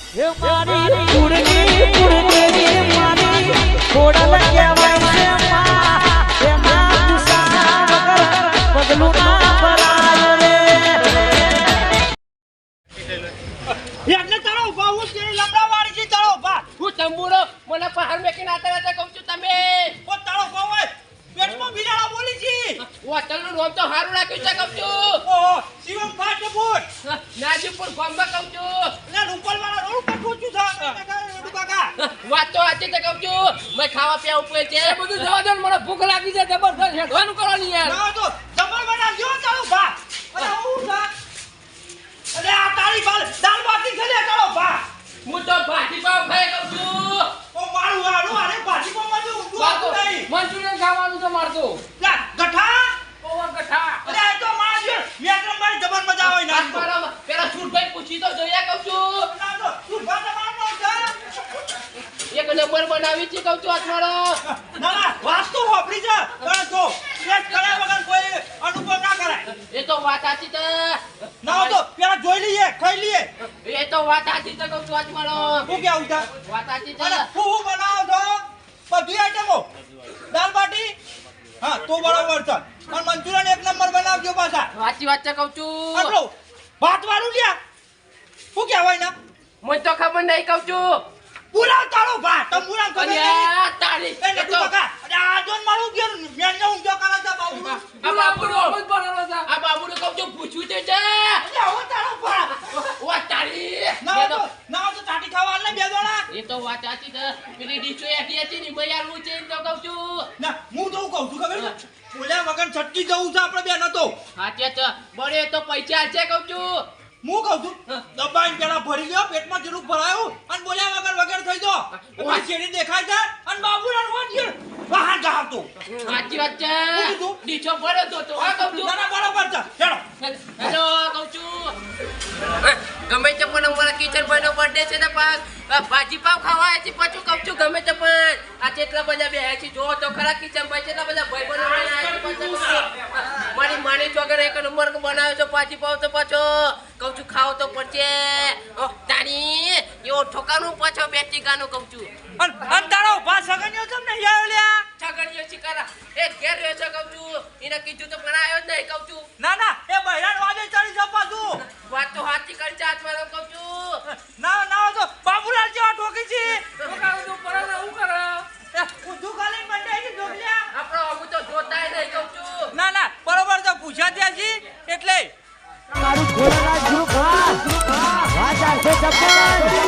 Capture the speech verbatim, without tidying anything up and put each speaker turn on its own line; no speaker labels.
એ મારી કુડની કુડની મારી ખોડલ કહેવાય છે માં એના ગુસ્સા વગર પગલું ના ભરાય રે
એટલે તારો ઉભા હું તેરી લમડાવાળી છે તારો ઉભા
હું તંબુરો મને પહાડ મેકીને આતા આતા કહું છું તમે
ઓ તારો ઉભા હોય પેટમાં બિલાડા બોલી છે
હોટલનું નામ તો સારું રાખ્યું છે કહું છું
ઓહો શિવમ ફાટફૂટ
નાજીપુર ગામમાં કહું છું
ને રૂપલવાળા રોડ પર પહોંચ્યું છે કાકા રોડ કાકા
વાત તો સાચી છે કહું છું મેં ખાવા પીવા ઉપર છે એ બધું જવા દો મને ભૂખ લાગી છે જબરદસ્ત હેડવાનું કરવાની યાર
ના તો જમણ બનાવજો તારો ઉભા અરે હું છે અરે આ તારી બાલ દાલ બાટી છે લે તારો ઉભા
હું તો ભાજી પાવ ખાઈ કહું છું
ઓ મારું હારું અરે ભાજી પાવમાં જો ઊંધું આવતું નહીં
મંચુરિયન ખાવાનું છે મારતો
લા ગઠા
ઓવર ગઠા
અરે આ તો મારા જો મેટ્રમ મારી જબર મજા આવે ના
બરાબર પેલા છૂટભાઈ પૂછી તો જોઈએ કહું છું
ના તો તું ભાત મારનો છે
એક નંબર બનાવી છે કહું છું આત્મારો
ના ના વાત તો વાપરી છે પણ તો સ્ટ્રેસ કર્યા વગર કોઈ અનુભવ ના કરાય
એ તો વાત સાચી છે
ના તો પેલા જોઈ લઈએ ખાઈ લઈએ
એ તો વાત સાચી છે કહું છું આત્મારો
હું કેવું છે
વાત સાચી છે
અરે હું હું બનાવો છો બધી આઈટમો દાલ બાટી હા તો બરાબર છે અને મંચુરિયન એક નંબર બનાવજો પાછા
સાચી વાત છે કહું છું
આપણો ભાત વાળું લ્યા શું કહેવાય ના
મને તો ખબર નહીં કહું છું
પુલાવ તારો ભાત તમ પુલાવ ખબર નહીં
અલ્યા તારી
એ નટુ કાકા અરે આ જોન મારું ઘેર મેં ને ઊંધો કરે છે બાબુ
આ બાબુડો આ બાબુડો કહું છું પૂછ્યું તે છે
અરે આવો તારો ભાત
ઓ તારી
ના તો ના તો ચાટી ખાવા આલે બે દોણા
એ તો વાત સાચી છે પેલી ડીશો એટી હતી ને મેં આલું છે એમ તો કહું છું
ના હું તો કહું છું ખબર છે બોલ્યા વગર છટકી જવું છે આપણે બે નતો
સાચે છે બળે તો પૈસા છે કહું છું
હું કહું છું દબાઈને પેલા ભરી લ્યો પેટમાં જેટલું ભરાયું અને બોલ્યા વગર વગર થઈ જો ઓય શેરી દેખાય છે અને બાબુલાલ વાંચી બહાર જાવતો
સાચી વાત છે
શું કીધું?
ડીશો ભર્યો તો તો હા કહું છું
ના ના બરાબર છે હેડો
હેલો કહું છું ગમે તે પણ અમારા કિચન ભાઈ નો બર્થડે છે ને પાક ભાજી પાવ ખાવા છે પાછું કહું છું ગમે તે પણ આ કેટલા બધા બે છે જો તો ખરા કિચન ભાઈ કેટલા બધા ભાઈ બનો મારી માની ચોગર એક નંબર બનાવ્યો છે ભાજી પાવ તો પાછો કહું છું ખાવ તો પડશે તારી એવો ઠોકાનું પાછો બે ટીકાનું કહું છું
અને અને તારો ભા સગન્યો છે ને યાર લ્યા
છગડીયો ચિકારા એ ઘેર રહ્યો છે કહું છું એને કીધું તો ભણાયો જ નહીં કહું છું
ના ના એ બહેરાન વાજે ચડી જપા તું
વાત તો હાથી કરી છે હાથમાં કહું છું
ના ના તો બાબુલાલ જેવા ઠોકી છે
ઠોકાનું તો પડે ને હું કરે
એ ઊંધું ખાલી મંડાઈ છે ઢોકલ્યા
આપણો અમુ તો જોતાય નહીં કહું છું
ના ના બરોબર તો પૂછ્યા ત્યાં છી એટલે
મારું ખોરાક ગ્રુપ હા ગ્રુપ હા વાજા છે જબર